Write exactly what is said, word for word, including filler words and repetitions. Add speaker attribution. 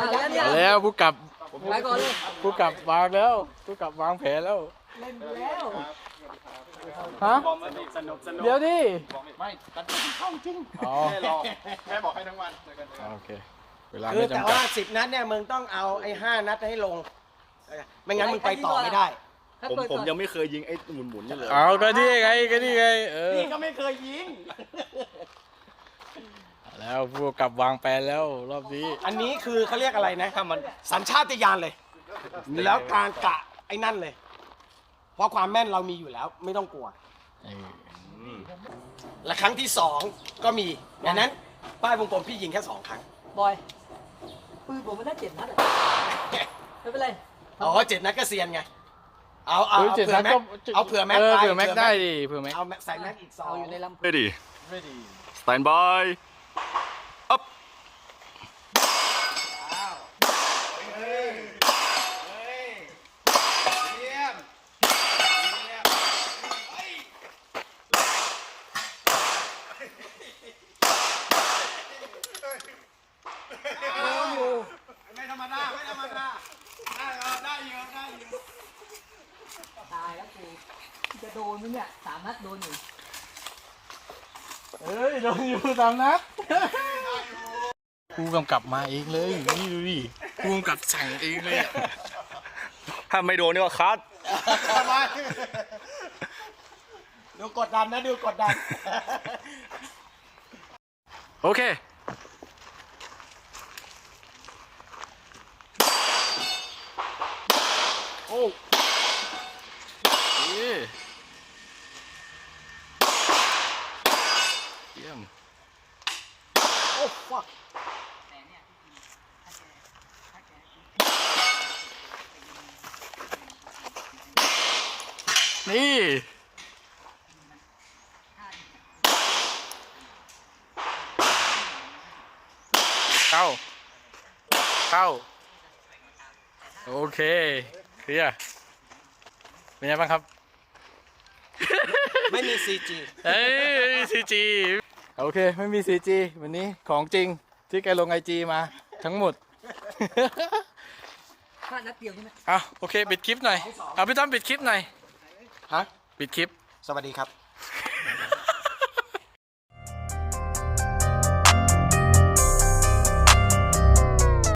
Speaker 1: เอาแล้วผู้กลับ
Speaker 2: ไปก่อนเลย
Speaker 1: ผู้กลับวางแล้วผู้กลับวางแผนแล้ว
Speaker 2: เล่นแล้ว
Speaker 1: ฮะ
Speaker 3: สนุกสนุก
Speaker 1: เดี๋ยวดิ
Speaker 3: ไม่ตัดเข้าจริง
Speaker 1: อ๋อ
Speaker 3: แค่รอแค่บอกให้ทั้งวันเจอกัน
Speaker 1: โอเคเวลา
Speaker 4: คือ
Speaker 1: ไม่
Speaker 4: แต่
Speaker 1: จำกั
Speaker 4: ว่า
Speaker 1: ด
Speaker 4: สิบนัดเนี่ยมึงต้องเอาไอ้ห้านัดให้ลง ไม่งั้นมึงไปต่อไม่ได้
Speaker 5: ผมผมยังไม่เคยยิงไอ้หมุนหมุนๆนี่เลย
Speaker 1: เอาก็นี่ไงก็นี่ไงเออ
Speaker 4: นี่ก็ไม่เคยยิง
Speaker 1: แล้วผู้กลับวางแผนแล้วรอบนี้
Speaker 4: อันนี้คือเขาเรียกอะไรนะถ้ามันสัญชาตญาณเลย แล้วการกะไอ้นั่นเลย เพราะความแม่นเรามีอยู่แล้ว ไม่ต้องกลัว
Speaker 1: เออ
Speaker 4: และครั้งที่สองก็มีดังนั้นป้ายวงกลมพี่ยิงแค่สองครั้ง
Speaker 2: บอยปืนผมมันได้เจ็ดนัดอะไม่เป็นไร
Speaker 4: อ๋อเจ็ดนัดก็เซียนไง เอาเอา
Speaker 1: เฮ้ย
Speaker 4: เอา
Speaker 1: เจ็ด
Speaker 4: เผื่
Speaker 1: นั
Speaker 4: อ
Speaker 1: ด
Speaker 4: แม็
Speaker 1: ก็
Speaker 4: กเอาเผื่อแม็ก
Speaker 1: เออ
Speaker 4: ไป
Speaker 1: เผื่อแม็กได้ดิเผื่อแม็ก
Speaker 4: เอาแม็กใส่แม็กอีกสอง
Speaker 2: เอาอยู่ในลำ
Speaker 5: เรดี้
Speaker 3: ไม่ดี
Speaker 5: สแตนบายอัพ
Speaker 4: ไม่ธรรมดาไม่ธรรมดาได้เออได้เยอะได้เยอะ
Speaker 2: ตายแล้วกูจะโดนมั้ยเนี่ยสามนัดโดนอยู่
Speaker 1: เอ้ยโดนอยู่ตามนัดกูกำกับมาเองเลยนี่ดูดิกูกำกับสั่งเองเลยอะ
Speaker 5: ถ้าไม่โดนนี่ว่าคัด
Speaker 4: ทำไมดูกดดันนะดูกดดัน
Speaker 1: โอเคโอ้เย้เยี่ยม
Speaker 4: โอ้ฟัก
Speaker 1: นี่เข้าเข้าโอเคเคลียร์เป็นไงบ้างครับ
Speaker 4: ไม่มีซีจี
Speaker 1: เอ้ยซีจีโอเคไม่มีซีจีวันนี้ของจริงที่แกลงไอจีมาทั้งหมด
Speaker 2: พลาดนัดเดียวใช่ไหม
Speaker 1: อ่ะโอเคปิดคลิปหน่อยเอาพี่ต้อมปิดคลิปหน่อย
Speaker 4: ฮะ
Speaker 1: ปิดคลิป
Speaker 4: สวัสดีครับ